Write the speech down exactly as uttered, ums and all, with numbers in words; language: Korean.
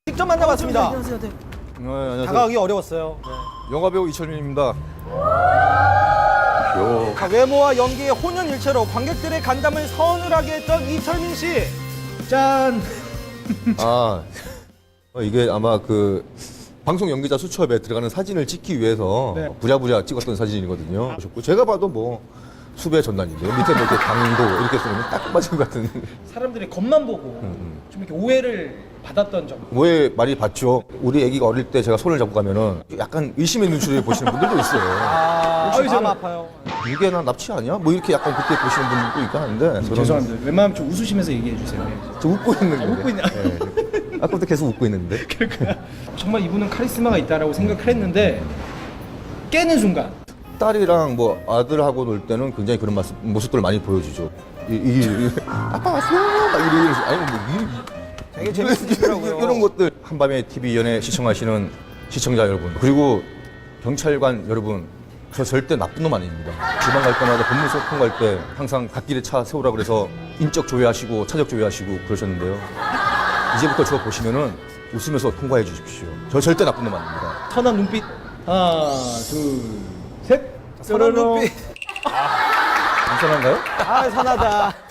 직접 만나봤습니다. 안녕하세요. 네. 네, 안녕하세요. 다가가기 어려웠어요. 네. 영화배우 이철민입니다. 자, 외모와 연기의 혼연일체로 관객들의 간담을 서늘하게 했던 이철민 씨. 짠. 아, 어, 이게 아마 그 방송 연기자 수첩에 들어가는 사진을 찍기 위해서 네. 부랴부랴 찍었던 사진이거든요. 제가 봐도 뭐 수배 전단인데요. 밑에 뭐 이렇게 강도 이렇게 쓰면 딱 맞은 것 같은. 사람들이 겉만 보고 좀 이렇게 오해를 받았던 점. 뭐에 많이 봤죠. 우리 애기가 어릴 때 제가 손을 잡고 가면은 약간 의심의 눈초리를 보시는 분들도 있어요. 아, 아유, 마음 저는- 아파요. 이게 나 납치 아니야? 뭐 이렇게 약간 그렇게 보시는 분들도 있긴 한데 저는 죄송합니다. 웬만하면 좀 웃으시면서 얘기해 주세요. 네. 저 웃고 있는 아, 거예요. 웃고 있냐? 네. 아까부터 계속 웃고 있는데. 정말 이분은 카리스마가 있다라고 생각을 했는데 깨는 순간 딸이랑 뭐 아들하고 놀 때는 굉장히 그런 모습, 모습들을 많이 보여주죠. 이, 이, 이 아빠 왔어요? 막 이러면서 아니 뭐 이, 되게 재밌으시더라고요. 이런 것들 한밤에 티비 연예 시청하시는 시청자 여러분 그리고 경찰관 여러분 저 절대 나쁜 놈 아닙니다. 지방 갈 때마다 법무소통 갈 때 항상 갓길에 차 세우라 그래서 인적 조회하시고 차적 조회하시고 그러셨는데요. 이제부터 저 보시면은 웃으면서 통과해 주십시오. 저 절대 나쁜 놈 아닙니다. 선한 눈빛. 하나, 둘, 셋. 선한 눈빛. 괜찮은가요? 아, 선하다.